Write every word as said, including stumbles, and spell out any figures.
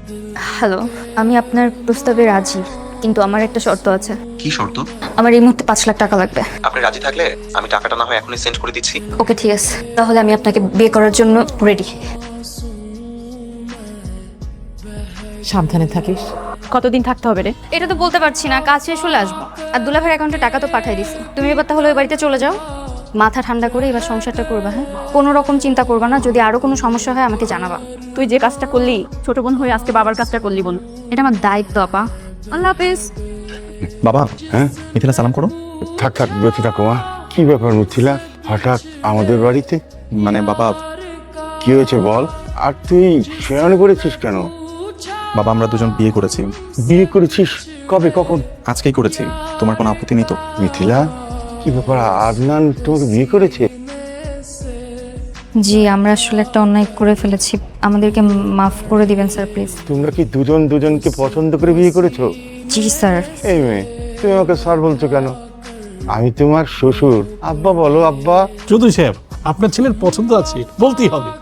Hello, আমি আপনার প্রস্তাবে রাজি, কিন্তু আমার একটা শর্ত আছে। কি শর্ত? আমার এই মুহূর্তে পাঁচ লাখ টাকা লাগবে। আপনি রাজি থাকলে আমি টাকাটা না হয় এখনই সেন্ড করে দিচ্ছি। ওকে ঠিক আছে, তাহলে আমি আপনাকে বিয়ে করার জন্য রেডি। সাবধানে থাকিস। কতদিন থাকতে হবে রে? এটা তো বলতে পারছি না, কাজ শেষ হলে আসবো। আর দুলাভের অ্যাকাউন্টে টাকা তো পাঠিয়ে দিছি। তুমি এবার তাহলে ওই বাড়িতে চলে যাও, মাথা ঠান্ডা করে এবার সংসারটা করবা। হ্যাঁ, কোনো রকম চিন্তা করবা না। যদি আরো কোনো সমস্যা হয় আমাকে জানাবা। তুই যে কাজটা করলি, ছোট বোন হয়ে আজকে বাবার কাজটা করলি বোন। এটা আমার দায়িত্ব আপা। আল্লাহ হাফেজ। বাবা, হ্যাঁ মিথিলা সালাম করো। থাক থাক বেঁচে থাকো মা। কি ব্যাপার মিথিলা, হঠাৎ আমাদের বাড়িতে? মানে বাবা, কি হয়েছে বল। আর তুই শেয়ার করেছিস কেন? বাবা আমরা দুজন বিয়ে করেছি। বিয়ে করেছিস? কবে, কখন? আজকেই করেছি। তোমার কোনো আপত্তি নেই তো? মিথিলা, কি ব্যাপার, আদনান তোমাকে বিয়ে করেছে? জি, আমরা আসলে একটা অন্যায় করে ফেলেছি, আমাদেরকে মাফ করে দিবেন স্যার প্লিজ। তোমরা কি দুজন দুজনকে পছন্দ করে বিয়ে করেছো? জি স্যার। এই মেয়ে, তুমি আমাকে স্যার বলছো কেন? আমি তোমার শ্বশুর। আব্বা বলো আব্বা। চৌধুরী সাহেব, আপনার ছেলের পছন্দ আছে, বলতেই হবে।